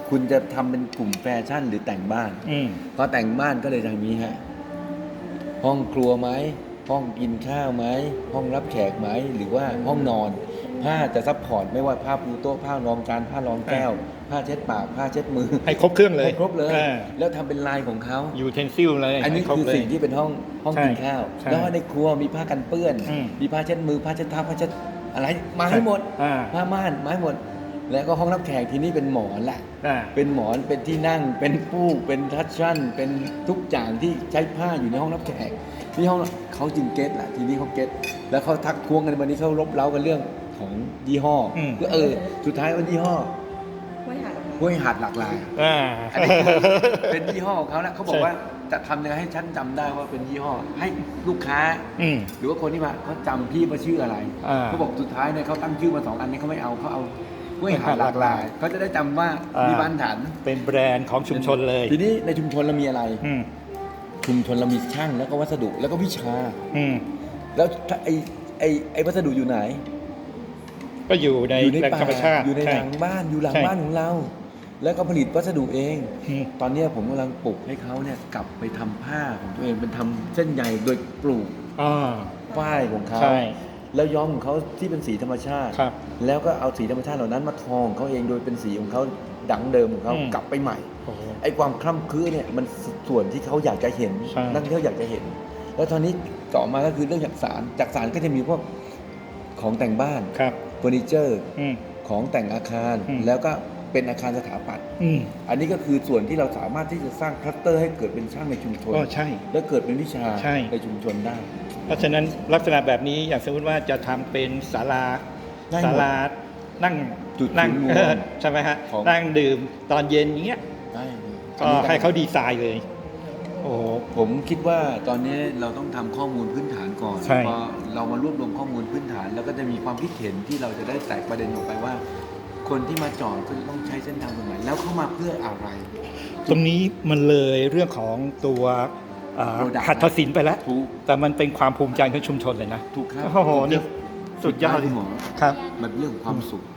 คุณจะทำเป็นกลุ่มแฟชั่นหรือแต่งบ้านพอแต่งบ้านก็เลยทางนี้ฮะห้องครัวไหมห้องกินข้าวไหมห้องรับแขกไหมหรือว่าห้องนอนผ้าจะซัพพอร์ตไม่ว่าผ้าปูโต๊ะผ้ารองจานผ้ารองแก้วผ้าเช็ดปากผ้าเช็ดมือให้ครบเครื่องเลยให้ครบเลยแล้วทำเป็นลายของเขายูเทนซิลเลยอันนี้คือสิ่งที่เป็นห้องกินข้าวแล้วในครัวมีผ้ากันเปื้อนมีผ้าเช็ดมือผ้าเช็ดเท้าผ้าเช็ดอะไรมาให้หมดผ้าม่านมาให้หมดแล้วก็ห้องรับแขกที่นี่เป็นหมอนแหละเป็นหมอนเป็นที่นั่งเป็นฟูกเป็นทัชชั่นเป็นทุกอย่างที่ใช้ผ้าอยู่ในห้องรับแขกที่ห้องเขาจึงเก็ตแหละทีนี้เขาเก็ตแล้วเขาทักท้วงกันวันนี้เขารบเร้ากันเรื่องของยี่ห้อก็สุดท้ายวันยี่ห้อห้วยหาดหลากหลายอันนี้เป็นยี่ห้อของเขาแล้วเขาบอกว่าจะทำยังไงให้ฉันจำได้ว่าเป็นยี่ห้อให้ลูกค้าหรือว่าคนที่มาเขาจำพี่ว่าชื่ออะไรเขาบอกสุดท้ายเนี่ยเขาตั้งชื่อมา2 อันนี้เขาไม่เอาเขาเอาห้วยหาดหลากหลายเขาจะได้จำว่ามีบ้านฐานเป็นแบรนด์ของชุมชนเลยทีนี้ในชุมชนเรามีอะไรชุมชนเรามีช่างแล้วก็วัสดุแล้วก็วิชาแล้วไอ้วัสดุอยู่ไหนก็อยู่ในธรรมชาติอยู่ในหลังบ้านอยู่หลังบ้านของเราแล้วก็ผลิตวัสดุเองตอนนี้ผมกำลังปลูกให้เขาเนี่ยกลับไปทำผ้าของตัวเองเป็นทำเส้นใยโดยปลูกฝ้ายของเขาแล้วย้อมของเขาที่เป็นสีธรรมชาติแล้วก็เอาสีธรรมชาติเหล่านั้นมาทองเขาเองโดยเป็นสีของเขาดั้งเดิมของเขากลับไปใหม่ไอ้ความคล่ำคลื้เนี่ยมันส่วนที่เขาอยากจะเห็นนักท่องเที่ยวอยากจะเห็นแล้วตอนนี้ต่อมาก็คือเรื่องจักสานก็จะมีพวกของแต่งบ้านเฟอร์นิเจอร์ของแต่งอาคารแล้วก็เป็นอาคารสถาปัตย์อันนี้ก็คือส่วนที่เราสามารถที่จะสร้างคลัสเตอร์ให้เกิดเป็นช่างในชุมชนและเกิดเป็นวิชาในชุมชนได้เพราะฉะนั้นลักษณะแบบนี้อย่างสมมติว่าจะทำเป็นศาลานั่งใช่ไหมฮะนั่งดื่มตอนเย็นอย่างเงี้ยก็ให้เขาดีไซน์เลยโอ้ผมคิดว่าตอนนี้เราต้องทำข้อมูลพื้นฐานก่อนพอเรามารวบรวมข้อมูลพื้นฐานแล้วก็จะมีความคิดเห็นที่เราจะได้แตกประเด็นออกไปว่าคนที่มาจอดก็จะต้องใช้เส้นทางตรงไหนแล้วเข้ามาเพื่ออะไรตรงนี้มันเลยเรื่องของตัวหัตถศิลป์ไปแล้วแต่มันเป็นความภูมิใจของชุมชนเลยนะถูกครับโอ้โหนี่สุดยอดเลยครับมันเรื่องความสุข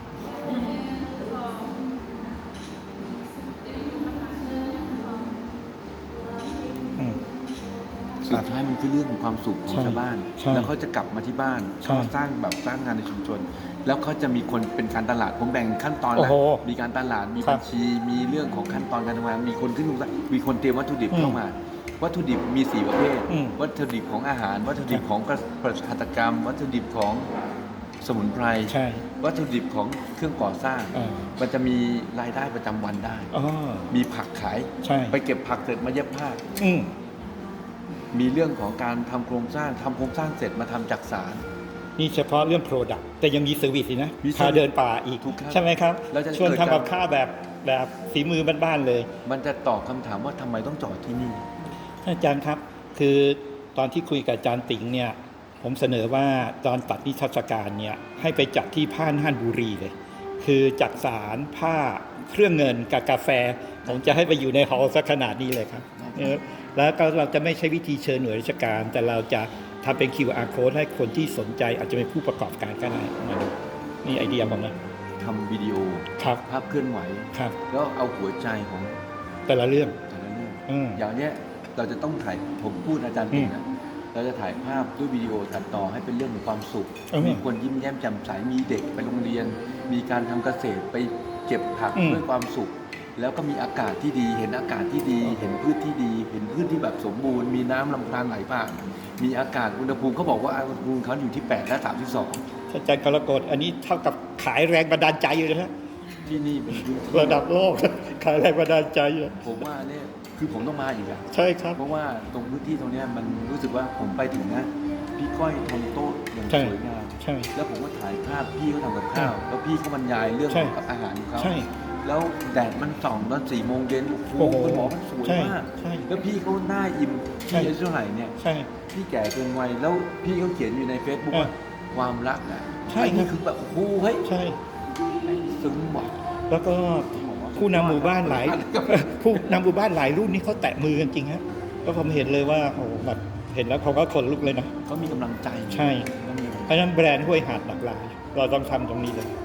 สุดท้ายมันคือเรื่องของความสุขของชาวบ้านแล้วเขาจะกลับมาที่บ้านเขาสร้างงานในชุมชนแล้วเขาจะมีคนเป็นการตลาดผมแบ่งขั้นตอนแล้วมีการตลาดมีบัญชีมีเรื่องของขั้นตอนการทำงานมีคนขึ้นมีคนเตรียมวัตถุดิบเข้ามาวัตถุดิบมี4 ประเภทวัตถุดิบของอาหารวัตถุดิบของหัตถกรรมวัตถุดิบของสมุนไพรวัตถุดิบของเครื่องก่อสร้างมันจะมีรายได้ประจำวันได้มีผักขายไปเก็บผักเสร็จมาเย็บผ้ามีเรื่องของการทำโครงสร้างเสร็จมาทำจักสานนี่เฉพาะเรื่อง Product แต่ยังมีเซอร์วิสอีกนะพาเดินป่าอีกใช่ไหมครับชวนทำกับข้าวแบบฝีมือบ้านๆเลยมันจะตอบคำถามว่าทำไมต้องจอดที่นี่อาจารย์ครับคือตอนที่คุยกับอาจารย์ติ๋งเนี่ยผมเสนอว่าตอนตัดนิทรรศการเนี่ยให้ไปจัดที่ผ้าน่านบุรีเลยคือจักสานผ้าเครื่องเงินกับกาแฟผมจะให้ไปอยู่ในหอสักขนาดนี้เลยครับแล้วก็เราจะไม่ใช้วิธีเชิญหน่วยราชการแต่เราจะทำเป็น QR code ให้คนที่สนใจอาจจะเป็นผู้ประกอบการก็ได้นี่ไอเดียผมนะทำวิดีโอภาพเคลื่อนไหวแล้วเอาหัวใจของแต่ละเรื่องอย่างเนี้ยเราจะต้องถ่ายผมพูดอาจารย์ติ๋งนะเราจะถ่ายภาพด้วยวิดีโอตัดต่อให้เป็นเรื่องของความสุขมีคนยิ้มแย้มแจ่มใสมีเด็กไปโรงเรียนมีการทำเกษตรไปเก็บผักด้วยความสุขแล้วก็มีอากาศที่ดีเห็นอากาศที่ดีเห็นพืชที่ดีเห็นพืชที่แบบสมบูรณ์มีน้ำลำธารไหลผ่านมีอากาศอุณหภูมิเขาบอกว่าอุณหภูมิเขาอยู่ที่8 และ 32 อาจารย์กรกฎอันนี้เท่ากับขายแรงบันดาลใจอยู่นะที่นี่เป็นระดับโลกขายแรงบันดาลใจผมว่าเนี่ยคือผมต้องมาอีกอะใช่ครับเพราะว่าตรงพื้นที่ตรงนี้มันรู้สึกว่าผมไปถึงนะพี่ก้อยทำโต๊ะอย่างสวยงามแล้วผมก็ถ่ายภาพพี่เขาทำกับข้าวแล้วพี่เขาบรรยายเรื่องของอาหารของเขาแล้วแดดมันส่องตอน4 โมงเย็นโอ้โหคุณหมอมันสวยมากแล้วพี่เขาหน้าอิ่มพี่อายุเท่าไหร่เนี่ยพี่แก่เกินวัยแล้วพี่เขาเขียนอยู่ใน Facebook ว่าความรักอ่ะนี่คือแบบโอ้โหเฮ้ยซึ้งว่ะแล้วก็ผู้นำหมู่บ้านหลายรุ่นนี่เขาแตะมือกันจริงฮะก็ผมเห็นเลยว่าโอ้แบบเห็นแล้วเขาก็ขนลุกเลยนะเขามีกำลังใจใช่เพราะฉะนั้นแบรนด์ห้วยหาดหลากหลายเราต้องทำตรงนี้เลย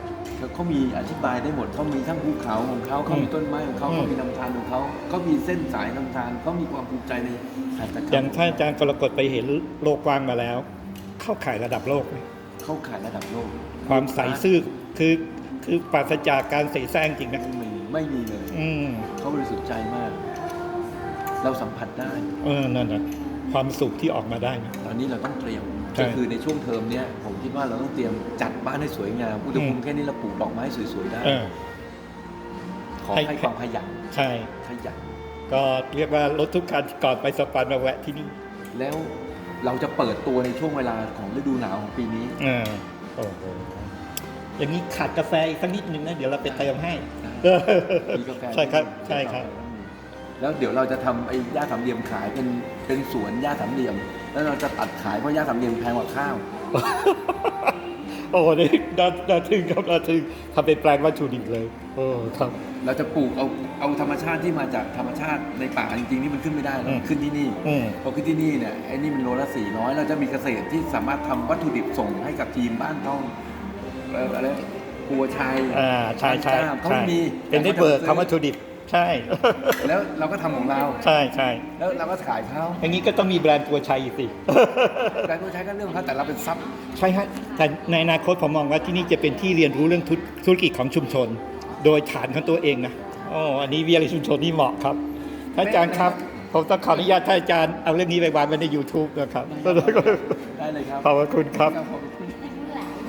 เขามีอธิบายได้หมดเขามีทั้งภูเขาของเขาเขามีต้นไม้ของเขาเขามีลำธารของเขาเขามีเส้นสายลำธารเขามีความภูมิใจในหัตถกรรมอย่างท่านอาจารย์กรกฎไปเห็นโลกกว้างมาแล้ว เข้าข่ายระดับโลกไหมเข้าข่ายระดับโลกความใสซื่อคือปราศจากการเสแสร้งจริงนะไม่มีเลย เขาบริสุทธิ์ใจมาก เราสัมผัสได้นั่นนะความสุขที่ออกมาได้นะตอนนี้เราต้องเตรียมใช่ก็คือในช่วงเทอมเนี้ยผมคิดว่าเราต้องเตรียมจัดบ้านให้สวยงามอุณหภูมิแค่นี้เราปลูกดอกไม้สวยๆได้ ขอให้ความขยันใช่ขยันก็เรียกว่ารถทุกคันก่อนไปสปันมาแวะที่นี่แล้วเราจะเปิดตัวในช่วงเวลาของฤดูหนาวของปีนี้โอ้โหอย่างนี้ขาดกาแฟอีกสักนิดนึงนะเดี๋ยวเราไปเติมให้มีกาแฟใช่ครับใช่ครับแล้วเดี๋ยวเราจะทำไอ้หญ้าสามเหลี่ยมขายเป็นสวนหญ้าสามเหลี่ยม แล้วเราจะตัดขายเพราะหญ้าสามเหลี่ยมแพงกว่าข้าวโอ้นี่น่าทึ่งครับน่าทึ่งทำเป็นแปลงวัตถุดิบเลยโอ้ครับเราจะปลูกเอาธรรมชาติที่มาจากธรรมชาติในป่าจริงๆนี่มันขึ้นไม่ได้หรอกขึ้นที่นี่พอขึ้นที่นี่เนี่ยไอ้นี่มันโลละ400เราจะมีเกษตรที่สามารถทำวัตถุดิบส่งให้กับทีมบ้านท่องอะไรปัวชัยใช่ใช่เขามีเป็นได้เบิกคำวัตถุดิบใช่แล้วเราก็ทำของเราใช่ใช่แล้วเราก็ขายเขาอย่างนี้ก็ต้องมีแบรนด์ตัวชัยอีกสิการปัวชัยก็เรื่องของเขาแต่เราเป็นซับใช่ฮะแต่ในอนาคตผมมองว่าที่นี่จะเป็นที่เรียนรู้เรื่องธุรกิจของชุมชน โดยฐานของตัวเองนะอันนี้วิทยาลัยชุมชนนี่เหมาะครับท่านอาจารย์ครับผมต้องขออนุญาตท่านอาจารย์เอาเรื่องนี้ไปวางไว้ใน YouTube นะครับได้เลยครับขอบคุณครับครับผม